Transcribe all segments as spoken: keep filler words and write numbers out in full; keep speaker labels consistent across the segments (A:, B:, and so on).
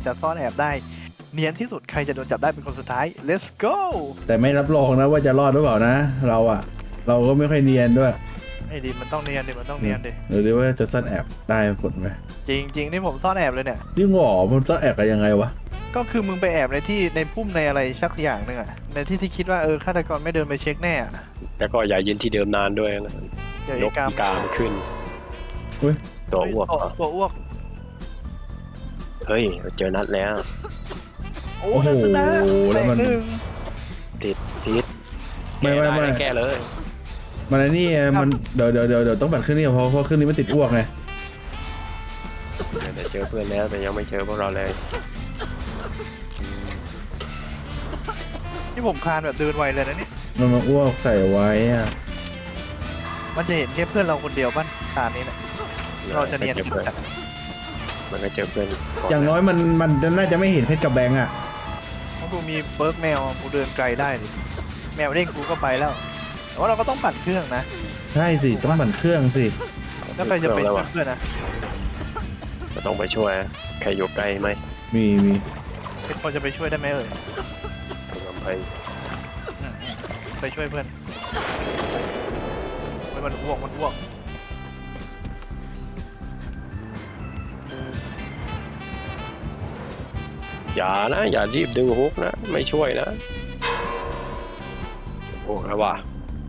A: จะซ่อนแอบได้เนียนที่สุดใครจะโดนจับได้เป็นคนสุดท้าย let's go
B: แต่ไม่รับรองนะว่าจะรอดหรือเปล่านะ เราอะเราก็ไม่ค่อยเนียนด้วย
A: ไอ้ดิมันต้องเนียนดิมันต้องเนียนดิ
B: หรือว่าจะซ่อนแอบได้ผลไหม
A: จริงจริงนี่ผมซ่อนแอบเลยเนี่ย
B: ยิ่งหงอมันซ่อนแอบกันยังไงวะ
A: ก็คือมึงไปแอบในที่ในพุ่มในอะไรสักอย่างหนึ่งอะในที่ที่คิดว่าเออฆาตกรไม่เดินไปเช็คแน่อะ
C: แล้วก็อย่ายืนที่เดิมนานด้วยนะ
A: เดี๋ยวย
C: ก
A: ไอ้กาม
C: อีกามขึ้น
B: เฮ้ย
C: ตัวอ้วก
A: ตัว
C: เหรอ
A: ตัวอ้วก
C: เฮ้ยเจอนัดแล้ว
A: โอ้โหชนะ
B: แล้
A: แบ่
B: ว
A: ง
B: มัน
A: หนึ่ง
C: ติดติด
B: ไม่ไม่ไม่
C: แก้เลย
B: มันไอ้นี่ไงมันเดี๋ยวเดี๋ยวเดี๋ยวเดี๋ยวต้องบัตรขึ้นนี่เพราะเพราะขึ้นนี้มันติดอ้วกไง
C: แต่เจอเพื่อนแล้วแต่ยังไม่เจอพวกเราเลย
A: ที่ผมคลานแบบเดินไวเลยนะเนี่ย
B: มันมาอ้วกใส่ไว้อะ
A: มันจะเห็นแค่เพื่อนเราคนเดียวป่ะตานี้เนี่ยเราจะเนียน
C: เจอเพื่อนมันก็เจอเพื่อน
B: อย่างน้อยมันมันน่าจะไม่เห็นเพชรกับแบงค์อะ
A: เพราะกูมีเบิร์กแมวกูเดินไกลได้ดิแมวเด้งกูก็ไปแล้วแต่ว่าเราก็ต้องปั่นเครื่องนะ
B: ใช่สิต้องบัตรเครื่องสิ
A: แล้วใครจะไปช่วยเพื่อนนะ
C: ก็ต้องไปช่วยใครอยู่ใกล้ไหม
B: มีมี
A: เป็นคนจะไปช่วยได้ไหมเอ่ย
C: ต้องไป
A: ไปช่วยเพื่อนเฮ้ยมันอ้วกมันอ้วก
C: อย่านะอย่ารีบดึงฮุกนะไม่ช่วยนะโอ้แล้วว่ะ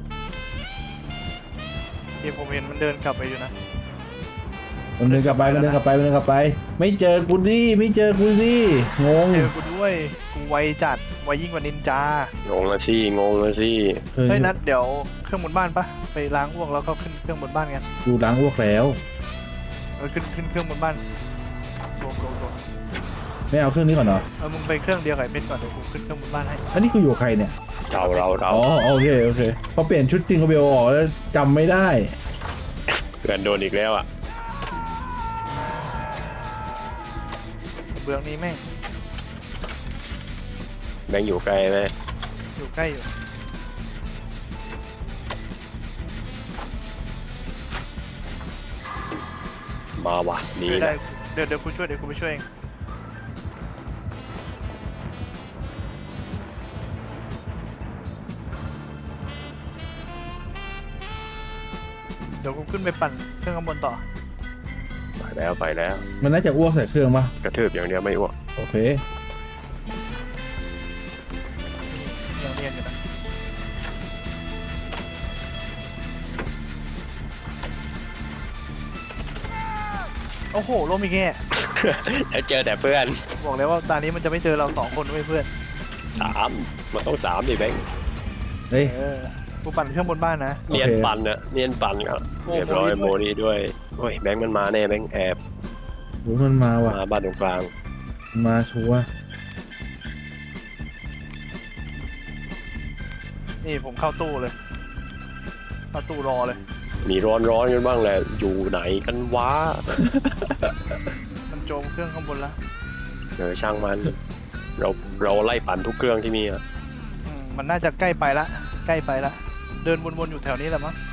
A: ที่ผมเห็นมันเดินกลับไปอยู่นะ
B: มันเดินกลับไปมันเดินกลับไปมันเดินกลับไป ไม่เจอกูดิไม่เจอกูดิงง
A: เจอกูด้วยกูไวจัดไวยิ่งกว่านินจาง
C: งละสิงงละสิ
B: เฮ้ย
A: เฮ้ยนัดเดี๋ยวเครื่องบนบ้านปะไปล้างอ้วกแล้วก็ขึ้นเครื่องบนบ้านกัน
B: กูล้างอ้วกแล้ว
A: เออขึ้นขึ้นเครื่องบนบ้านโดดโดดโดด
B: ไม่เอาเครื่องนี้ก่อนเหรอ
A: เออมึงไปเครื่องเดียวกับไอ้เพชรก่อนเดี๋ยวกูขึ้นเครื่องบนบ้านให้
B: อันนี้กูอยู่กับใครเนี่ย
C: เราเราเรา
B: อ๋อโอเคโอเคพอเปลี่ยนชุดจริงกับเบลออกแล้วจำไม่ได้
C: เพื่อนโดนอีกแล้วอ่ะ
A: เบื้องนี้แม่ง
C: แบงค์อยู่ไกลไหม
A: อยู่ใกล้อยู่
C: มาว่ะหนี
A: ช่วยได้
C: นะ
A: เดี๋ยวเดี๋ยวกูช่วยเดี๋ยวกูไปช่วยเองเดี๋ยวกูขึ้นไปปั่นเครื่องข้างบนต่อ
C: ไปแล้วไปแล้ว
B: มันน่าจะอ้วกใส่เครื่องปะ
C: กระทืบอย่างเดียวไม่อ้วก
B: โอเค
A: ยังเรียนอยู่นะโอ้โหโลมิแก
C: แล้วเจอแต่เพื่อน
A: บอกแล้วว่าตอนนี้มันจะไม่เจอเราสองคนด้วยเพื่อน
C: สามมันต้องสามดิแบงค์
B: เฮ้ย
A: เออกูปั่นเครื่องบนบ้านนะ
B: โอเค
C: เนียนปั่นเนอะเนียนปั่นก็
A: โอ้
C: เรียบร้อย
A: โม
C: โม
A: นี่
C: นี่ด้วยโอ้ยแบงค์มันมาแน่แบงค์แอบ
B: โอ้มันมาว่ะ
C: มาบ้านตรงกลาง
B: มาชัวร์
A: นี่ผมเข้าตู้เลยเข้าตู้รอเลย
C: มีร้อนร้อนๆกันบ้างแหละอยู่ไหนกันวะ
A: มันโจมเครื่องข้างบนแล้ว
C: เออช่างมัน เราเราไล่ปั่นทุกเครื่องที่มีอะ
A: อืมมันน่าจะใกล้ไปละใกล้ไปละเดินวนๆอยู่แถวนี้แหละมั้ง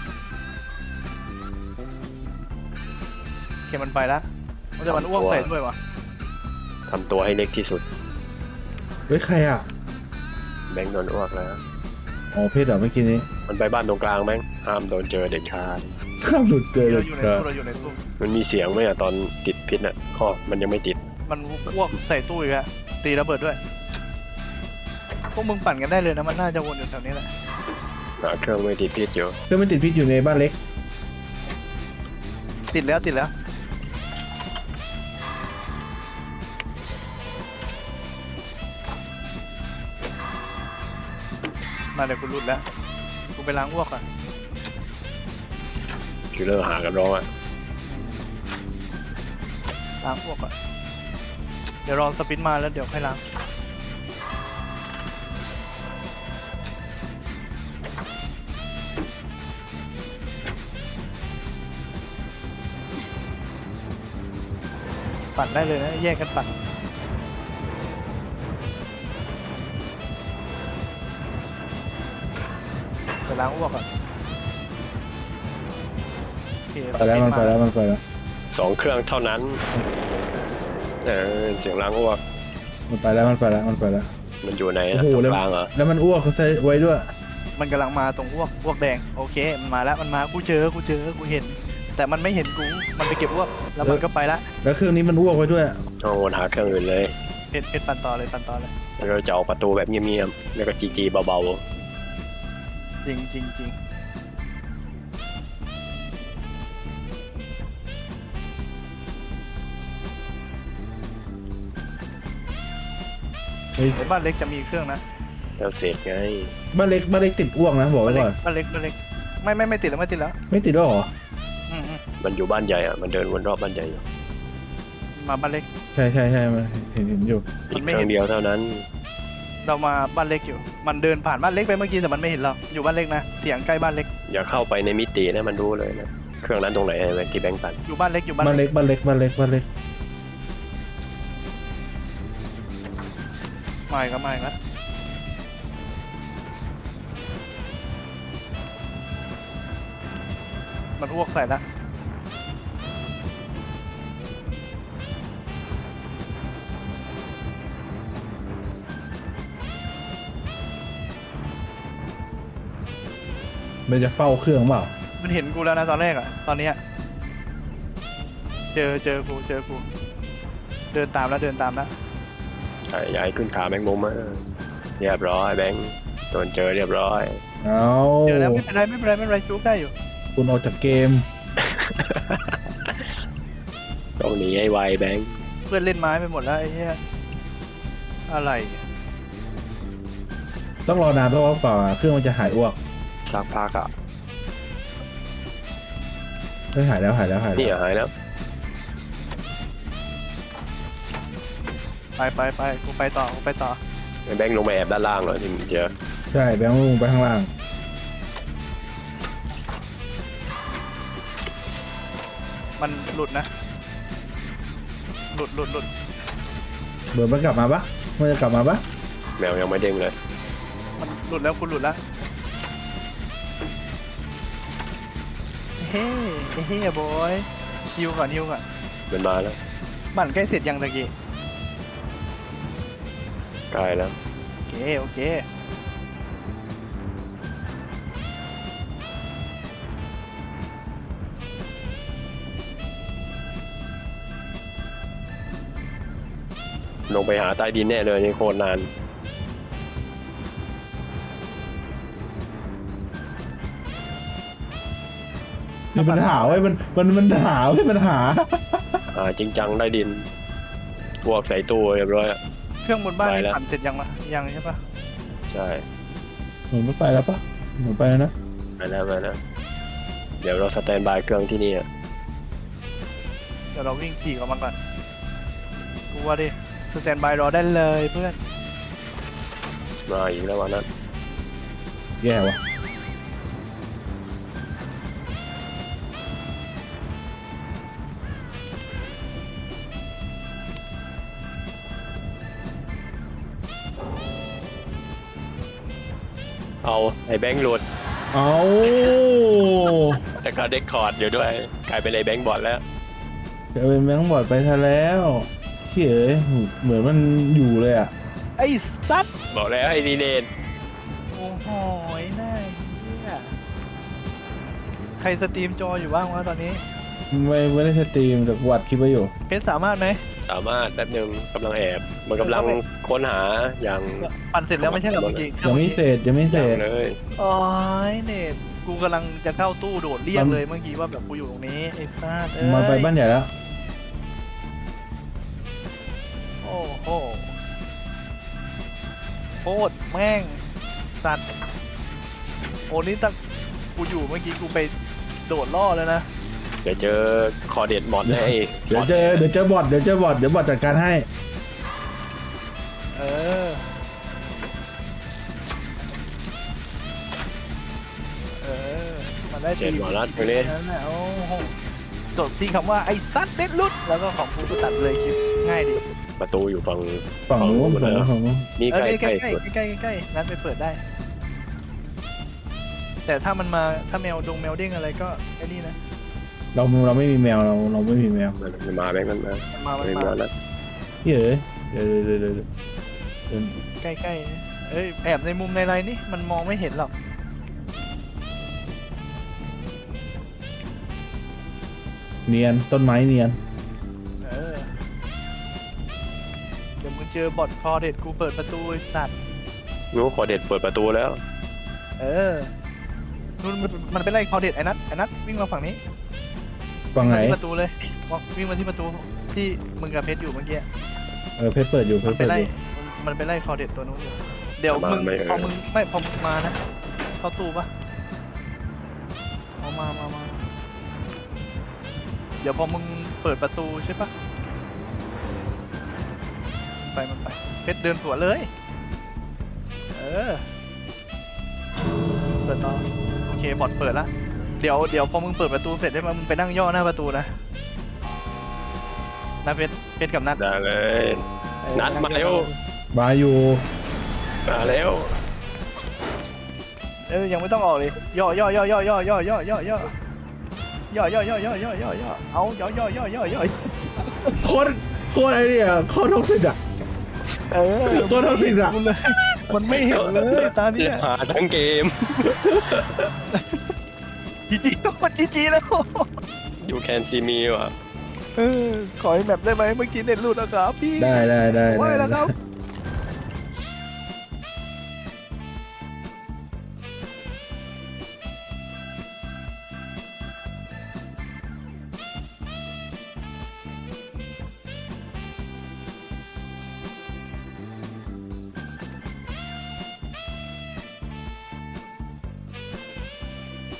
A: โอเคมันไปละมันจะมันอ้วกใส่ด้วยวะ
C: ทำตัวให้เล็กที่สุด
B: เฮ้ยใครอ่ะ
C: แบงค์โดนอ้วกแล้ว
B: อ๋อเพชรเหรอเมื่อกี้นี้
C: มันไปบ้านตรงกลางแบงค์ห้ามโดนเจอเด็ดขาด
B: ข้ามหลุดเจอเล
A: เรา
B: ย
A: อยู่ใน
B: ครับ
A: ตู้เราอยู่ในตู้
C: มันมีเสียงไหมอะตอนติดพิษอะข้อมันยังไม่ติด
A: มันอ้วกใส่ตู้อีกอะตีระเบิดด้วยพวกมึงปั่นกันได้เลยนะมันน่าจะวนอยู่แถวนี้แหละ
C: หาเครื่องไม่ติดพิษอยู่
B: เครื่องไม่ติดพิษอยู่ในบ้านเล็ก
A: ติดแล้วติดแล้วมาเดี๋ยวกูรุดแล้วกูไปล้างอ้วกก่อน
C: คิลเลอร์หากันร้องอะ
A: ล้างอ้วกก่อนเดี๋ยวรอสปินมาแล้วเดี๋ยวค่อยล้างปั่นได้เลยนะแยกกันปั่นไปล้างอ้วกก่อนโอเค
B: ไปแล้วมันไปแล้วมันไปแล้ว
C: สองเครื่องเท่านั้น แเออเสียงล้างอ้วก
B: มันไปแล้วมันไปแล้วมันไปแล้ว
C: มันอยู่ไหน
B: โอ้
C: อะ
B: โห
C: ตรง
B: แล้ว
C: กลางเหรอ
B: แล้วมันอ้วกเขาใส่ไว้ด้วย
A: มันกำลังมาตรงอ้วกอ้วกแดงโอเคมันมาแล้วมันมากูเจอกูเจอกูเห็น แต่มันไม่เห็นกูมันไปเก็บอ้วกแล้วมันก็ไปละ
B: แล้วเครื่องนี้มันอ้วกไว้ด้วย
C: เอาวนหาเครื่องอื่นเลย
A: เพชรเพชรปันต่อเลยปันต่อเลย
C: แล้วก็จะออกประตูแบบเงียบๆแล้วก็จีจีเบา
A: จริงจริงจริง
B: เฮ้ย
A: ในบ้านเล็กจะมีเครื่องนะ
C: ๆแล้วเสร็จไง
B: บ้านเล็กบ้านเล็กติดอ้วกนะบอก
A: บ้า
B: ไว้
A: นเล็ก
B: ก่อน
A: บ้านเล็กบ้านเล็กไม่ไม่ไม่ติดแล้วไม่ติดแล้ว
B: ไม่ติดแล้วเหรอ
A: อืมอืม
C: มันอยู่บ้านใหญ่อะมันเดินวนรอบบ้านใหญ่อยู่
A: มาบ้านเล็ก
B: ใช่ใช่ใช่มันเห็นเห็นอยู่
C: อีกเครื่องเดียวเท่านั้น
A: เรามาบ้านเล็กอยู่ มันเดินผ่านบ้านเล็กไปเมื่อกี้แต่มันไม่เห็นเราอยู่บ้านเล็กนะเสียงใกล้บ้านเล็ก
C: อย่าเข้าไปในมิตินะมันรู้เลยนะเครื่องนั้นตรงไหนไอ้ที่แบงค์ปัน
A: อยู่บ้านเล็กอยู่บ้าน
B: บ้าน
A: เล็
B: เล็
A: ก
B: กบ้านเล็กบ้านเล็กบ้านเล็ก
A: มาอีกแล้วมาอีกแล้วมันอ้วกใส่ละ
B: มันจะเฝ้าเครื่องเปล่า
A: มันเห็นกูแล้วนะตอนแรกอะตอนเนี้ยเจอเจอกูเจอกูเดินตามแล้วเดินตามแล้ว
C: ใช่ย้ายขึ้นขาแบงค์มุมมาเรียบร้อยแบงค์โดนเจอเรียบร้อย
B: เอา
A: เจอแล้วไม่เป็นไรไม่เป็นไรไม่เป็นไรจุกได้อยู่
B: คุณออกจากเกม
C: ต้องหนีให้ไวแบงค์
A: เพื่อนเล่นไม้ไปหมดแล้วไอ้เหี้ยอะไรเนี่ย
B: ต้องรอนานเพราะว่าฝ่าเครื่องมันจะหายอ้วก
C: สักพักอะ
B: เฮ้ยหายแล้วหายแล้วหาย
C: นี่
B: แล้ว
C: หายแล้ว
A: ไปไปไปกูไปต่อกูไปต่อ
C: ไอ้แบงค์ลงไปแอบด้านล่างเหรอที่มึงเจอ
B: ใช่แบงค์ลงไปข้างล่าง
A: มันหลุดนะ หลุดหลุดหลุด
B: เบิร์ดมันกลับมาปะมันจะกลับมาปะ
C: แมวยังไม่เด้งเลย
A: มันหลุดแล้วคุณหลุดแล้วเฮ้เฮ้บอยฮิวก่อนฮิวก่อน
C: มันมาแล้ว
A: บั่นใกล้เสร็จยังตะกี้
C: ใกล้แล้ว
A: โอเคโอเค
C: ลงไปหาใต้ดินแน่เลยนี่โคตรนาน
B: นี่มันหาไว้ยมันมันมันหาไว้ยมันหา
C: หาจริงจังใต้ดินพวกใส่ตู้เรียบร้อยอะ
A: เครื่องบนบ้าน
C: ไป
A: นี่
C: แล้ว
A: ปั่นเสร็จยังวะยังใช่ปะ
C: ใช่
B: เหมือนไม่ไปแล้วปะเหมือนไปแล้วนะ
C: ไปแล้วไปแล้วเดี๋ยวเราสแตนบายเครื่องที่นี่อะ
A: เดี๋ยวเราวิ่งขี่กับมันก่อนกูว่าดิสแตนบายรอได้เลยเพื่อน
C: มาอีกแล้ววันนั้น
B: แย่วะ
C: เอาไอ้แบงค์หลุด
B: เอา
C: แล้วก็เด็กคอร์ดอยู่ด้วยกลายเป็นไอ้แบงค์บอดแล้ว
B: จะเป็นแบงค์บอร์ดไปซะแล้วเขี้ยเอ้ยเหมือนมันอยู่เลยอ่ะ
A: ไอ้ซัด
C: บอกแล้วไอ้ดีเนน
A: โอ้โหน่าเหี้ยใครสตรีมจออยู่บ้างวะตอนนี้
B: ไม่ไม่ได้สตรีมแต่วัดคลิปไว้อยู่
A: เพชรสามารถไหม
C: สามารถแป๊บนึงกำลังแอบมันกำลังค้นหาอย่าง
A: ปั่นเสร็จแล้วไม่ใช่เหรอเมื่อกี้
B: ยังไม่เสร็จยังไม่เส
C: อ
B: ร็
C: ย่า
B: จ
C: งเลย
A: โอ้ยเน็ตกูกำลังจะเข้าตู้โดดเรียกเลยเมื่อกี้ว่าแบบกูอยู่ตรงนี้ไอ้ซัดเอ้ย
B: มาไปบ้านใหญ่แล้ว
A: โอ้โหโคตรแม่งสัตว์โอ้นี่ตั้งกูอยู่เมื่อกี้กูไปโดดล่อแล้วนะ
C: เดี๋ยวเจอคอเด็ดหมดเลยไอ้
B: เดี๋ยวเจอเดี๋ยวเจอบอทเดี๋ยวเจอบอทเดี๋ยวบอทจัดการให้
A: เออเออมันได้
C: เจ็ดหมอรัดไปเลย
A: นั่นแหละโอ้โหจบที่คำว่าไอ้ซัดเด็ดลุดแล้วก็ของกูก็ตัดเลยคลิปง่ายดี
C: ประตูอยู่ฝั่ง
B: ฝั่งนู้น
C: ฝั่
B: ฝั่ง
C: งนู้น
B: นู้นฝั่งนู้น
C: นี่
A: เอ
C: ใก
A: อ
C: ล้
A: ใก
C: ใก
A: ล้
C: ล้
A: ใกล้ใกล้ใกล้งั้นไปเปิดได้ แต่ถ้ามันมาถ้าแมวดงแมวเด้งอะไรก็ไอ้นี่นะ
B: เราเราไม่มีแมวเราเราไม่มีแมว
C: มันมาแบงค์มันมา
A: มันมามัน
C: ไม่
A: มา
C: มาแล้ว
B: เฮ้ยเดี๋ยวเดี๋ยวเดี๋ยวเดี๋ยวเดี๋ยว
A: ใกล้ๆนะเอ้ยแอบในมุมในไรนี่มันมองไม่เห็นหรอก
B: เนียนต้นไม้เนียน
A: เออเดี๋ยวมึงเจอบอทคอเด็ดกูเปิดประตูไอ้สัตว์
C: งูขอเด็ดเปิดประตูแล้ว
A: เออนู่นมันมันเป็นไรคอเด็ดไอ้นัทไอ้นัทวิ่งมาฝั่งนี้
B: ฝั่งไหน
A: มาที่ประตูเลยวิ่งมาที่ประตูที่มึงกับเพชรอยู่เมื่อกี้
B: เออเพชรเปิดอยู่เพ
A: มั
B: ช
A: น
B: ร
A: ไป
B: เปิด
A: ไล่
B: อยู่
A: มันไปไล่คอเด็ดตัวนู้นอยู่เดี๋ยวมึงพอมึงไม่พอมึงมานะเข้าตู้ปะเอามามามาเดี๋ยวพอมึงเปิดประตูใช่ปะไปมันไปเพชรเดินสวนเลยเออเปิดต่อโอเคบอทเปิดละเดี๋ยวเดี๋ยวพอมึงเปิดประตูเสร็จได้ไหมมึงไปนั่งย่อหน้าประตูนะนะเพชรเพชรกับนัด
C: ได้เลย
A: เออ
C: นัดมาเร็ว
B: มาอยู่
C: มาแล้ว
A: เออยังไม่ต้องออกเลยย่อย่อย่อย่อย่อย่อย่อย่อย่อย่อย่อย่อย่อย่อย่อย่อย่อเอาย่อย่อย่อย่อย่อ
B: โคตรโคตรไอ้เนี่ยโคตรท็อกซิกอ่ะ
A: เออ
B: โคตรท็อกซิกอ่ะ
A: มันไม่เห็นเลยตาเนี้ย
C: หาทั้งเกม
A: จีจีมันจีจีแล้ว
C: you can see me ว่ะ
A: เออขอให้แมปได้ไหมเมื่อกี้เน็ตหลุดนะครับพี่
B: ได้ได้ได้
A: ไหว
B: ได้
A: แล้วครับ